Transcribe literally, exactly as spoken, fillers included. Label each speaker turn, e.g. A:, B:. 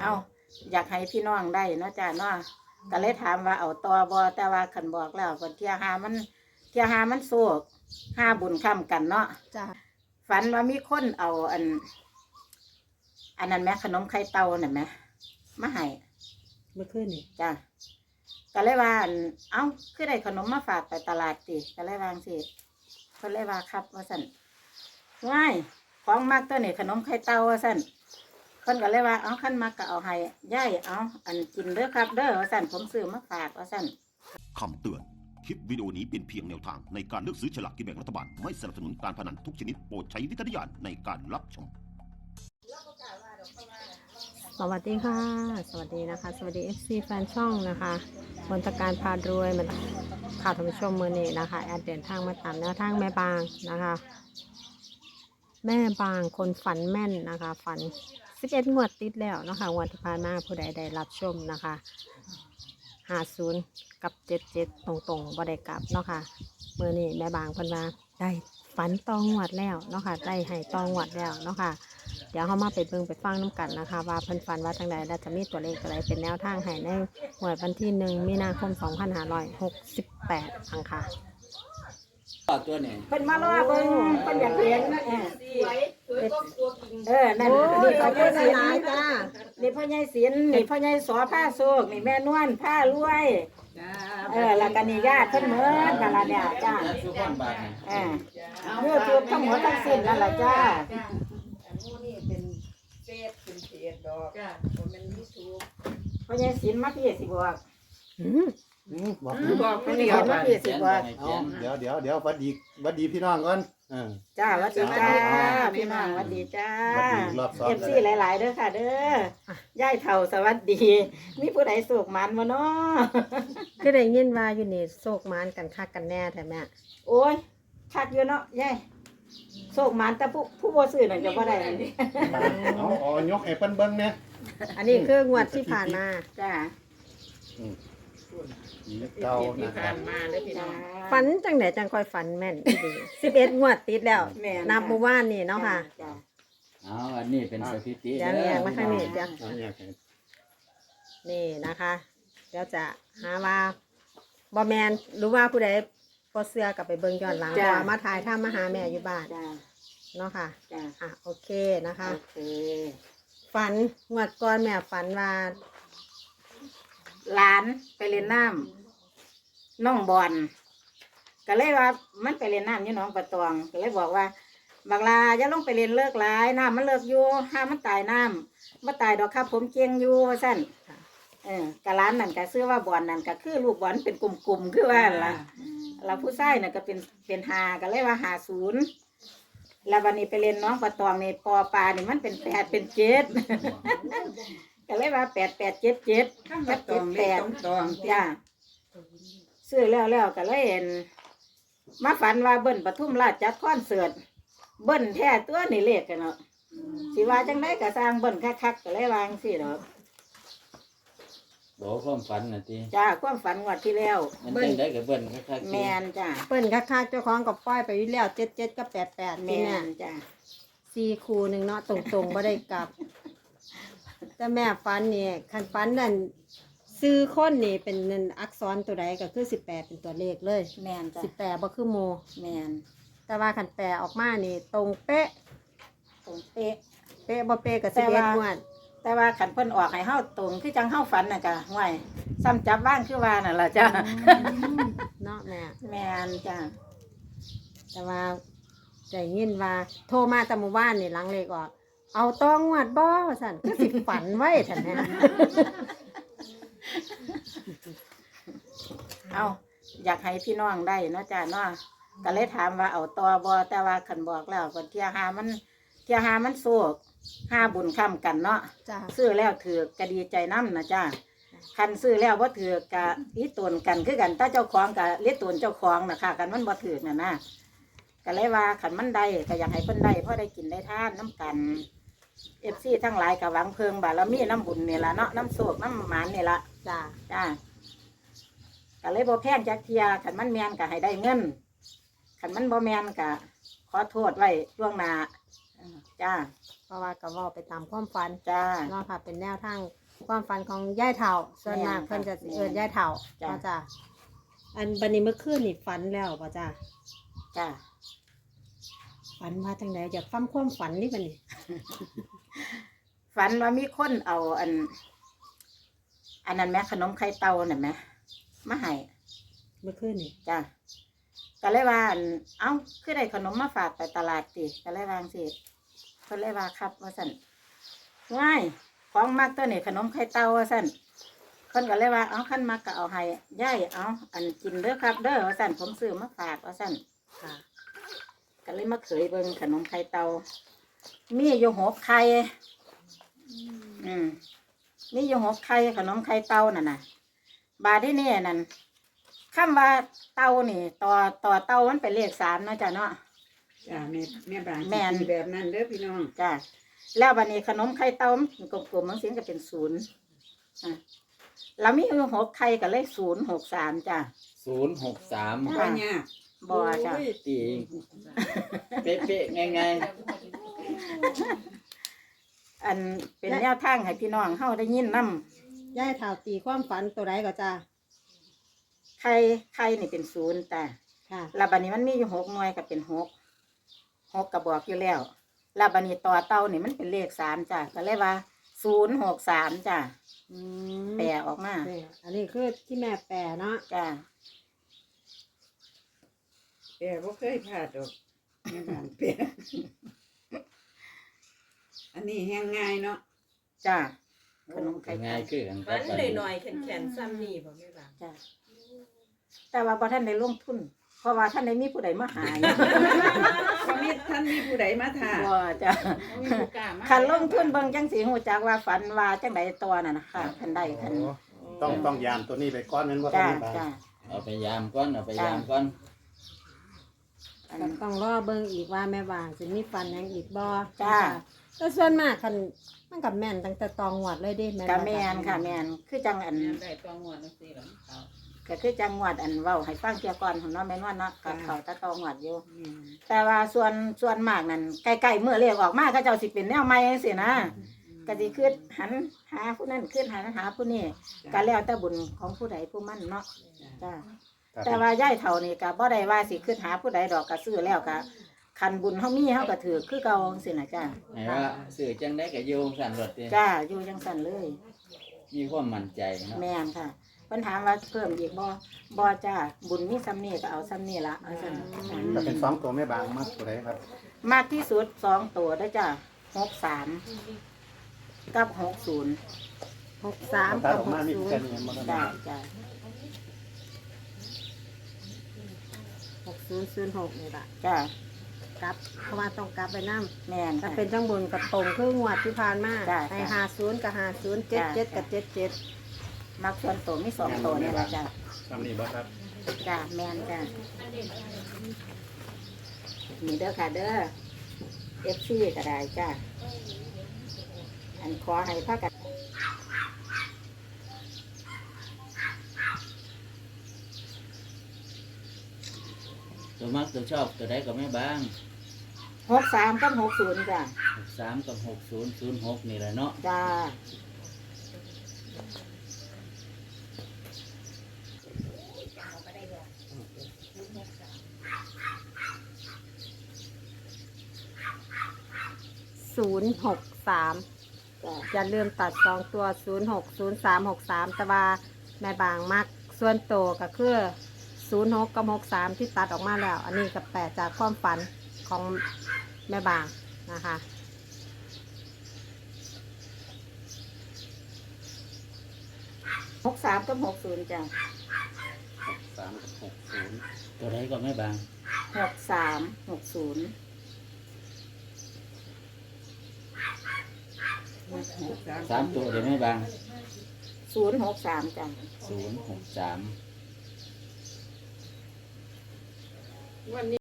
A: เอาอยากให้พี่น้องได้เนาะจ้าเนาะก็เลยถามว่าเอาต่อบ่แต่ว่าขันบอกแล้วก่อนเที่ยหามันเที่ยหามันโศกห้าบุญค้ำกันเนาะ
B: จ้า
A: ฝันว่ามีคนเอาอัน อันนั้นแม่ขนมไข่เต่าน่ะแม่มาให้
B: เมื่อคืนนี่
A: จ้าก็เลยว่าอันเอ้าคือได้ขนมมาฝากไปตลาดติก็เลยวาจั่งสิเพิ่นเลยว่าครับว่าสั่นง่ายของมักตัวนี้ขนมไข่เต่าว่าสั่นเพิ่นก็เลยว่าเอาขั้นมักก็เอาให้ย่ายเอาอันกินเด้อครับเด้อว่าสั่นผมซื้อมาฝากว่าสั่น
C: คำเตือนคลิปวิดีโอนี้เป็นเพียงแนวทางในการเลือกซื้อฉลากกินแบ่งรัฐบาลไม่สนับสนุนการพนันทุกชนิดโปรดใช้วิจารณญาณในการรับชม
B: สวัสดีค่ะสวัสดีนะคะสวัสดี เอฟ ซี แฟนช่องนะคะมนตการพารวยมาข่าวท่านผู้ชมมือนี้นะคะแอดเดินทางมาตามแนวทางแม่บางนะคะแม่บางคนฝันแม่นนะคะฝันสิบเอ็ดงวดติดแล้วนะคะงวดที่ผ่านมาผู้ใดได้รับชมนะคะห้าศูนย์กับเจ็ดเจ็ดตรงๆบ่ได้กลับเนาะค่ะมือนี้แม่บางเพิ่นว่าได้ฝันตองงวดแล้วเนาะค่ะได้ให้ตองงวดแล้วเนาะค่ะเดี๋ยวเขามาไปเบิ่งไปฟังน้ำกันนะคะว่าเพิ่นฝันว่าจังใดและจะมีตัวเลขอะไรเป็นแนวทางให้ในงวดวันที่หนึ่งมีนาคมสองพันห้าร้อยหกสิบแปดอังค่ะ
D: ตัวนี้
A: เพิ่นมารอเบิ่งเพิ่นอยากเห็นเออเออนั่นนี่พ่อใหญ่ศิลป์จ้านี่พ่อใหญ่ศิลป์นี่พ่อใหญ่สอผ้าโศกนี่แม่นวลผ้ารวยเออแล้วก็นี่ญาติเพิ่นเหมือนกันล่ะเนี่ยจ้าเออยูทูบทั้งหมดทั้งสิ้นนั่นล่ะจ้าพ่อใหญ่ศิลป์มาพี่สิบอก
E: บอก
A: บอกพ่อใหญ่ศิลป์มาพี่สิบอก
E: เดี๋ยวเดี๋ยวเดี๋ยววัดดีวัดดีพี่น้องก่อน
A: จ้าวัดดีจ้าพี่น้องวัดดีจ้าเอฟซีหลายๆเด้อค่ะเด้อย่ายเท่าสวัสดีมีผู้ใดสุกมันวะเนาะ
B: ก็ได้ยินว่าอยู่นี่โศกมานกันคักกันแน่แท้แม่
A: โอ้ยคักอยู่เนาะย่ายโศกมันแต่ผู้ผู้บ่ซื้อนั่นจะบ่ได้
E: เอาอ๋อยกให้เพิ่นเบิ่งเนี่ย
B: อันนี้คืองวดที่ผ่านมา
A: จ้า
E: เก่านะครับ
B: ฝันจังไหนจังคอยฝันแม่นดีสิบเอ็ดงวดติดแล้วนับเมื่อวานนี่เนาะค่ะ
D: อ๋ออันนี้เป็นสถิติ
B: เดี๋ยวเนี่ยมาทางนี้จ้ะนี่นะคะเดี๋ยวจะหาว่าบอแมนหรือว่าผู้ใดพอเสื้อกับไปเบิ่งย้อนหลังว่ามาถ่ายถ้ามาหาแม่อยู่บ้านเนาะค่ะอ่ะโอเคนะคะฝันงวดก่อนแม่ฝันว่า
A: หลานไปเล่นน้ำน้องบอลก็เลยว่ามันไปเล่นน้ำอยู่หนองประตองก็เลยบอกว่าบักลาอย่าลงไปเล่นเลิกหลายน้ำมันเลิกอยู่ห้ามมันตายน้ำมันตายดอกครับผมเกียงอยู่สั้นเออกะร้านนั่นก็ซื้อว่าบอลนั่นก็คือลูกบอลเป็นกลุ่มๆคือว่าล่ะเราผู้ชายน่ะก็เป็นเป็นหาก็เลยว่าหาศูนย์แล้ววันนี้ไปเล่นน้องประตองในปอปลานี่มันเป็นแปดเป็นเจ็ดก็เลยว่าแปดแปดเจ็ดเจ็ดแปดเจ็ดแปดจ้าซื้อแล้วแล้วก็เลยเห็นมาฝันว่าเบิ้ลปทุมราชจัดคอนเสิร์ตเบิ้ลแท้ตัวนี่เลขกันเนาะสิว่าจังไดก็สร้างเบิ้ลคักๆก็เลยวางสิเนาะ
D: บอกความฝันน่ะติ
A: จ้าความฝันงวดที่แล้ว
D: เบิ้ลได้กับเบิ้ลคัก
A: ๆแมนจ้า
B: เบิ้ลคักๆเจ้าของกับป้ายไปอยู่แล้วเจ็ดเจ็ดกับแปดแปด
A: แมนจ้า
B: สี่คูหนึ่งเนาะตรงๆบ่ได้กลับแต่แม่ฟันนี่คันฟันนั่นซื้อคนนี่เป็นเงินอักษรตัวใดก็คือสิบแปดเป็นตัวเลขเลย
A: แมนจ้ะ
B: สิบแปดบ่คือโม
A: แมน
B: แต่ว่าคันแปลออกมานี่ตรงเป๊ะ
A: ตรงเป๊ะ
B: เป๊ะบ่เป๊ะกับสิบเอ็ดงวด
A: แต่ว่าขันเพิ่นออกให้เฮาตรงคือจังเฮาฝันน่ะจ้ะห่วยซ้ำจับบ้านคือว่านั่นล่ะจ้ะ
B: เนาะแม่
A: แมนจ้ะ
B: แต่ว่าได้ยินว่าโทรมาแต่เมื่อวานนี่หลังเลขออกเอาต้องงวดบ่สั่นคือสิฝันไว้ท่านแม่
A: เอาอยากให้พี่น้องได้เนาะจ้าเนาะก็เลยถามว่าเอาต่อบ่แต่ว่าขันบอกแล้วคนเที่ยหามันเที่ยหามันโศกห้าบุญค้ำกันเนาะซื้อแล้วถือกะดีใจน้ำนะจ้าคันซื้อแล้วว่าถือกะลิตนกันคือกันถ้าเจ้าของกะลิตนเจ้าของนะค่ะกันมันบ่ถือน่ะนะก็เลยว่าขันมันได้ก็อยากให้เพิ่นได้เพราะได้กินได้ทานน้ำกันเอฟซีทั้งหลายกับหวังเพิงบารมีน้ำบุญนี่ละเนาะน้ำโศกน้ำหมานนี่ละจ้าจ้าก็เลยบ่แพงจักเทียขันมันแมนก็ให้ได้เงินขันมันบ่แมนก็ขอโทษไว้ล่วงหน้าอ่าจ้า
B: เพราะว่าก็เว้าไปตามความฝัน
A: จ้า
B: เนาะค่ะเป็นแนวทางความฝันของย่ายเฒ่าส่วนมาก
A: แม่นค่ะ
B: เพิ่นจะเอิ้นย่ายเฒ่า
A: จ้ะ
B: เนาะจ้ะอันบัดนี้เมื่อคืนนี่ฝันแล้วป่ะจ้ะ
A: จ้า
B: ฝันว่าจังไดอยากฟังความฝันนี่บัดนี้
A: ฝันว่ามีคนเอาอัน อันนั้นแม่ขนมไข่เต่าน่ะแม่มาให้
B: เมื่อคืนนี่
A: จ้าก็เลยว่าอั่นเอ้าคือได้ขนมมาฝากไปตลาดติก็เลยวาจั่งสิเพิ่นเลยว่าครับว่าสั่นง่ายของมักตัวนี้ขนมไข่เต่าว่าสั่นเพิ่นก็เลยว่าเอาขั้นมักก็เอาให้ย่ายเอาอันกินเด้อครับ เด้อว่าสั่นผมซื้อมาฝากว่าสั่น
B: ค่ะ
A: ก็เลยมาเขยเบิ่งขนมไข่เต่ามีอยู่หกไข่อืมมีอยู่หกไข่ขนมไข่เต่านั่นน่ะ บาทที่นี่นั่นคำว่าเต่านี่ ต่อต่อเต่ามันเป็นเลขสามเนาะจ้ะเนาะ
F: จ้าแม่แม่บาง
A: แม่น
F: สิแบบนั้นเด้อพี่น้อง
A: จ้ะแล้วบัดนี้ขนมไข่เต่ามันกลมๆมันเสียงก็เป็นศูนย์อ่ะเรามีอยู่หกไข่กับเลขศูนย์หกสามจ้ะ
D: ศูนย์หกสาม
F: บ่ยาก
A: บ่จ้ะ
D: โอ้ยตีเป๊ะๆง่าย
A: อันเป็นแนวทางให้พี่น้องเฮาได้ยินนํ
B: ย่ายเฒ่าตีความฝันตัวใดก็จ้ะ
A: ไข่ไข่นี่เป็นศูนย์แต่
B: ค่ะ
A: แล้วบัดนี้มันมีอยู่หกหน่วยก็เป็นหกหกกระบอกอยู่แล้วแล้วบัดนี้ต่อเต่านี่มันเป็นเลขสามจ้ะก็เลยว่าศูนย์หกสามจ้ะ
B: อืม
A: แปลออกมา
B: นี่อันนี้คือที่แม่แปลเนาะ
A: จ้ะ
F: แต่บ่เคยพลาดดอกแม่บางเปียอันนี้แห้งง่ายเนาะ
A: จ้ะขนม
D: ๆ
A: ไข่
D: ง่า
A: เต่าย
D: คือกันค
G: ฟั
D: รับ
G: นหน่อยๆแข็งๆซ้ำนี่บ่แม่บ้าง
A: จ้ะแต่ว่าพอท่านได้ลงทุน เพราะว่าท่านได้มีผู้ใดมาหาอยู่
F: บ่มีท่านมีผู้ใดมาท่า
A: บ่จ้ะ
G: บ่มีผู้กล้ามา
A: คันลงทุนเบิ่งจังสีหูจักว่าฝันว่าจังใดตัวน่ะนะคะคันได้คัน
E: โอ้ต้องต้องยามตัวนี้ไปก้อนนั้นว่า
A: จ้ะ
E: ทำไมบ้าง
A: จ้ะ
D: เอาไปยามก่อนเอาไปยามก่อน
A: อัน
B: ก็ต้องรอเบิ่งอีกว่าแม่บางสิมีฝันหยังอีกบ่
A: จ้ะ
B: แต่ส่วนมากคันมันกับแม่นตั้งแต่ตองหวดเลยเด้แม่น
A: กะ
B: บ่
A: แมนค่ะแมนคือจังอัน
G: แม่ได้ตัวงวดจังซี่ล่ะเขา
A: ก็คือจังหวัดอันเว้าให้ฟังเกี่ยวก่อนของเน้องแม่นว่าเนาะกับเขาตะตองหวัดอยู่
F: แม่น
A: แต่ว่าส่วนส่วนมากนั่นใกล้ๆเมื่อเรียกออกมาก็เจ้าสิเป็นแนวใหม่จังซี่นะก็สิขึ้นหันหาผู้นั้นขึ้นหันหาผู้นี้ก็แล้วแต่บุญของผู้ใดผู้มันเนาะจ้าแต่ว่าย่ายเฒ่านี่ก็บ่ได้ว่าสิขึ้นหาผู้ใดดอกก็ซื้อแล้วก็คันบุญเฮามีเฮาก็ถือคือเก่าจังซี่นะจ้า
D: ให้ว่าสื่อจังได้ก็อยู่สั่นรถติ
A: จ้าอยู่จังซั่นเลย
D: มีความมั่นใจเนาะ
A: แม่นค่ะเพิ่นถามว่าเพิ่มอีกบ่บ่จ้าบุญมีซ้ำนี้ก็เอาซ้ำนี้ละเอาซั่นจ้ะ
E: ก็เป็นสองตัวแม่บางมากตัวไหนครับ
A: มากที่สุดสองตัวได้จ้ะหกสามกับหกศูนย์
B: หกสาม
E: ถ้า
B: กับ
E: ออก
B: ห
E: มาก มี
B: ศูน
E: แค่
B: ย์
E: นี้มันก็
A: จ้ะ
E: ได้
A: จ้ะ
B: หกศูนย์ศูนย์หกนี่ล่ะ
A: จ้ะ
B: กลับเพราะว่าต้องกลับไปนำ
A: แม่น
B: ถ้า
A: ค่ะ
B: เป็นจังบุญกับตรงครึ่งวัดที่ผ่านมา
A: จ้ะ
B: ในห้าศูนย์กับห้าศูนย์เจ็ดเจ็ดกับเจ็ดเจ็ด
A: มักส่วนตัวมีสองตัวนี่แหละจ้ะ
E: ทำนี่บ่ครับ
A: จ้ะแม่นจ้ะนี่เด้อค่ะเด้อเอฟซีก็ได้จ้ะอันขอให้พากัน
D: ตัวมักตัวชอบตัวใดก็แม่บ้าง
A: หกสามกับหกศูนย์จ้ะ
D: หกสามกับหกศูนย์ศูนย์หกนี่แหละเนาะ
A: จ้ะ
B: ศูนย์หกสาม
A: จ้ะ
B: อย่าลืมตัดสองตัวศูนย์หกศูนย์สามหกสามแต่ว่าแม่บางมักส่วนโตวก็คือศูนย์หกกับหกสามที่ตัดออกมาแล้ว อันนี้กับแปดจากความฝันของแม่บางนะคะ
A: หกสามกับหกศูนย์จ้ะ
E: สามกับหกศูนย์
D: ตัวใดก็แม่บ้าง
A: หกสามหกศูนย์
D: สามตัวเดี๋ยวแม่บ้าง
A: ศูนย์หกสามจ้ะ
D: ศูนย์หกสาม
G: วันนี้